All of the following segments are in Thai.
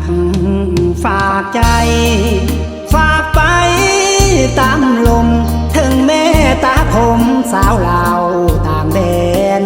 ฝากใจฝากไปตามลมถึงแม่ตาผมสาวลาวต่างแดน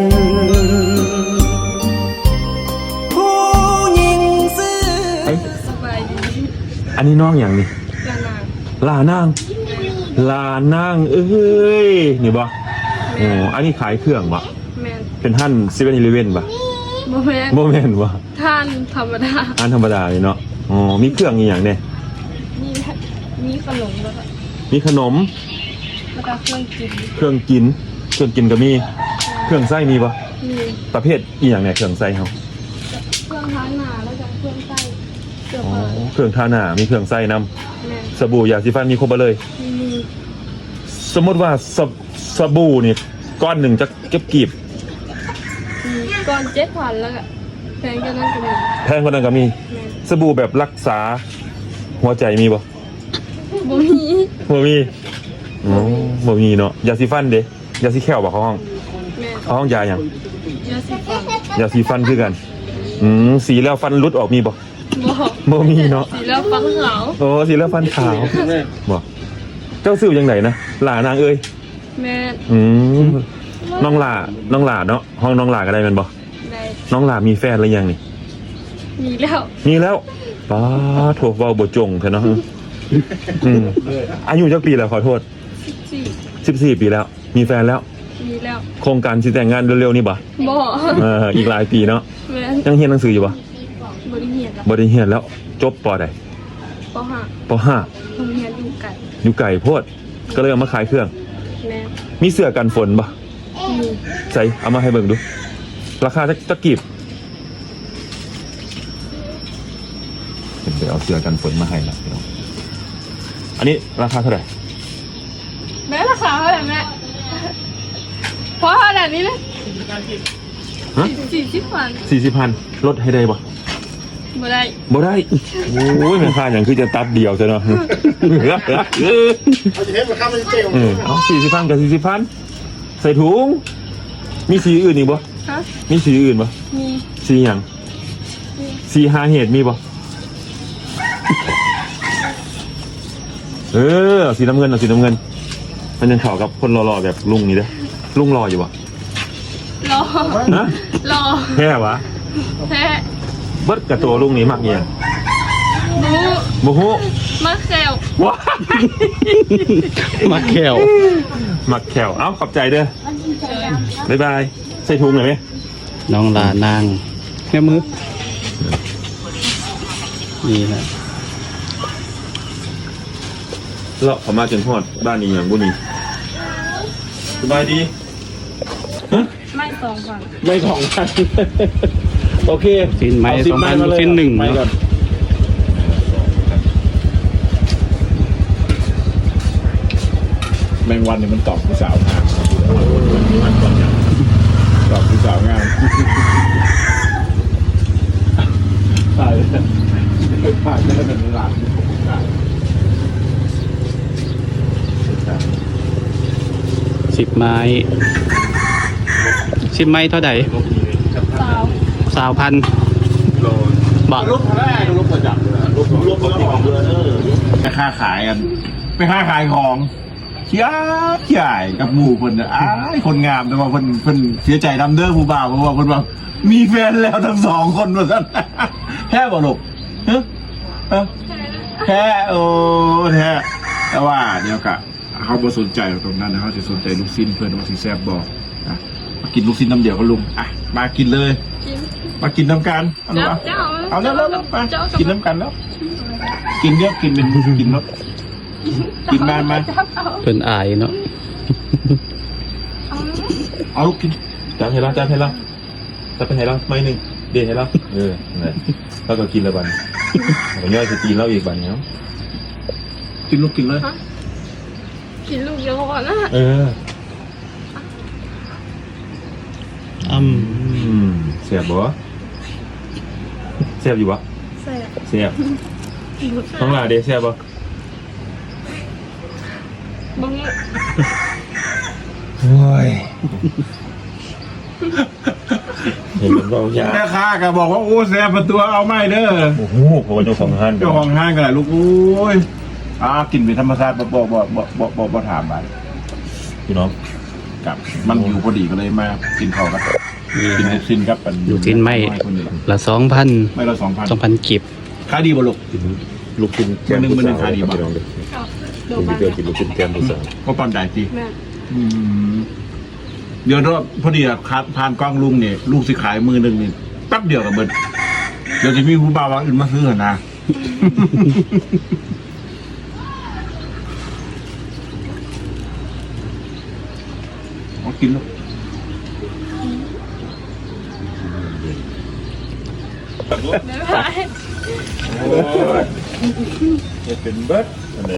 ผู้หญิงซื่อสบายดีอันนี้น้องอย่างนี้ลานางลานางเอ้ยนี่บ่โอ้อันนี้ขายเครื่องบ่แมนเป็นท่าน7-11บ่โมแมนบ่แม่นบ่ท่านธรรมดาอันธรรมดาเลยเนาะอ๋อมีเครื่องอีหยังเนี่ยมีขนมแล้วก็มีขนมแล้วก็เครื่องกินเครื่องกินก็มีเครื่องไส้มีบ่มีประเภทอีหยังเนี่ยเครื่องไส้เฮาเครื่องท้าหนาแล้วก็เครื่องไส้เสื้ออ๋อผ้าเครื่องทาหน้ามีเครื่องไส้นำแมนสบู่ยาสีฟันมีครบหมดเลยมีสมมติว่าสบู่นี่ก้อนหนึ่งจะเก็บกีบก่อน7,000แล้วก็แพงกันนั่นก็มีแพงกว่านั้นก็มีแมนสบู่แบบรักษาหัวใจมีบ่บ่มีบ่มีอ๋อบ่มีเนาะยาสีฟันเด้ยาสีแค่วบ่เขาห้องแมนเขาห้องยาหยังยาสีฟันยาสีฟันคือกันสีแล้วฟันรุดออกมีบ่บ่บ่มีเนาะสีแล้วฟันขาวโอ้สีแล้วฟันขาวบ่เจ้าซื้อจังไดนะหลานางเอ้ยแมนน้องหลาเนาะห้องน้องหลาก็ได้แม่นบ่ได้น้องหลามีแฟนหรือยังนี่มีแล้วมีแล้วป้าโถเว้าบ่จงเถอะเนาะอายุจักปีแล้วขอโทษ 14 14 ปีแล้ว มีแฟนแล้วมีแล้วโครงการสิแต่งงานเร็วๆนี่บ่บ่อีกหลายปีเนาะแมนยังเรียนหนังสืออยู่บ่บริเหียนแล้วบ่ได้เรียนแล้ว จบปอใดปห้าปห้าโรงเรียนอยู่ไกันอยู่ไกลโพดก็เลยเอามาขายเครื่องแม่มีเสื้อกันฝนบ่มีใส่เอามาให้เบิ่งดู ราคาจักกีบเดี๋ยวเอาเสื้อกันฝนมาให้ละพี่น้องอันนี้ราคาเท่าไหร่แม่ราคาเท่าไหร่แม่เพราะขนาดนี้เลยฮะ 40,000 40,000ลดให้ได้บ่บ่ได้บ่ได้ โอ้ยแม่ค้าอย่างคือจะตัดเดียวซะเนาะเอาจะเห็นราคามันเจ๋งเอา40,000กับ40,000ใส่ถุง มีสีอื่นอีกบ่ฮะมีสีอื่นบ่มีสีหยังสีหาเหตุมีบ่เอาสีน้ำเงินเอาสีน้ำเงิน มันยังเข้ากับคนรอๆแบบลุงนี่เด้อลุงรออยู่บ่รอฮะรอแค่วะแท้เบิดกับตัวลุงนี่มักเนี่ยบูบ่ฮู้มาแซวว้ามาแขวมักแขวเอ้าขอบใจเด้อบ๊ายบายใส่ถุงหน่อยไหมน้องลานางแค่มือนี่นะเลาะเขามาจนฮอดบ้านนี้อย่างบุนี่สบายดีฮะไม่2,000 ไม่2,000โอเคสิ้นไม้เอา 2,000 มาเลยสิ้นหนึ่งไม้ก่อนแมงวันเนี่ยมันตอบผู้สาวงามตอบผู้สาวงามตายเลยผ่านจะได้เป็นหลาน 10 ไม้10 ไม้เท่าไหร่สาว 20,000บาทลูกแรกลูกประจับเลยลูกของเรือไปค้าขายกันไปค้าขายของใหญ่กับหมู่คนอ้ายคนงามแต่ว่าคนเสียใจดำเด้อผู้บ่าวเพราะว่าคนว่ามีแฟนแล้วทั้ง2 คนว่าซั่นแค่บ่ลูกแค่โอ้แท้แต่ว่าเดี๋ยวกะเขาบ่สนใจตรงนั้นนะเขาจะสนใจลูกชิ้นเพื่อนว่าสิแซ่บบ่อ่ะมากินลูกชิ้นน้ำเดียวกับลุงอ่ะมากินเลยกินมากินน้ำกันเอาลูกเอาแล้วมากินน้ำกันแล้ว กินเยอะกินเป็นกินเนาะกินมาเพิ่นอายเนาะเอาลูกกินจานให้เราจะไปให้เราไม่หนึ่งเดี๋ยวให้เราเนี่ยแล้วก็กินแล้วบันผมย่อยจะกินแล้วอีกบันเนาะกินลูกกินเลยกินลูกเดียวก่อนนะเสียบบ่เสียบอยู่บ่แซ่บเสียบต้องลาเดเสียบบ่บังโอ้ยเห็นมันว่ายากแม่ค้าก็บอกว่าโอ้แซ่บประตูเอาไม่เด้อโอ้โหเพราะว่าเจ้าของห้างเจ้าของห้างกันแหละลูกโอ้ยกินเป็นธรรมชาติบ่ถามไปพี่น้องกับมันอยู่พอดีก็เลยมากินข้าวกับกินลูกชิ้นครับมันอยู่ที่ไม่คนนี้ละ2,000 ไม่ละ2,000 2,000กิบขายดีบ่ลูกกินลูกชิ้นแกมมื้อหนึ่งขายดีป่ะพี่น้องเด้อกับโดผมมาเจอกินลูกชิ้นแกมผู้สาวก็ปอนได้จีแม่เดี๋ยวพอดีอะครับผ่านกล้องลุงเนี่ยลูกสิขายมือหนึ่งนี่แป๊บเดียวกับเบิดเดี๋ยวจะมีผู้บ่าวว่าอื่นมาซื้อนะ เอากินลูกบ๊ายบายโอ้ยเป็นเบิร์ด